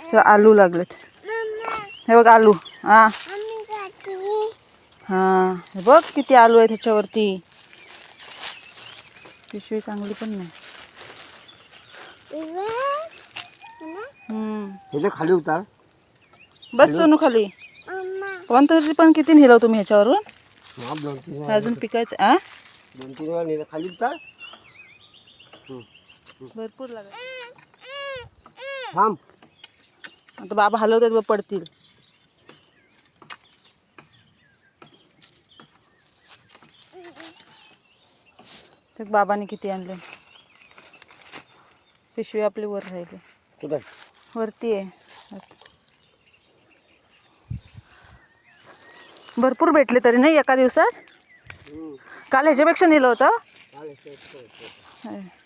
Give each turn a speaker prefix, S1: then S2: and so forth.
S1: आलू लागलेत. हे बघ आलू. हा हा हे बघ किती आलू आहे त्याच्यावरती. पिशवी चांगली पण नाही.
S2: ह्याच्या खाली उतार.
S1: बस सोनू खाली. पण किती नेलं तुम्ही ह्याच्यावरून? अजून पिकायचं.
S2: 2-3 वेळा नेलं. खाली उतार.
S1: भरपूर लागत.
S2: थांब.
S1: आता बाबा हलवतात बघ, पडतील. ते बाबाने किती आणले. पिशवी आपली वर राहिली. वरती आहे. भरपूर भेटले तरी नाही एका दिवसात. काल ह्याच्यापेक्षा नेलं होतं.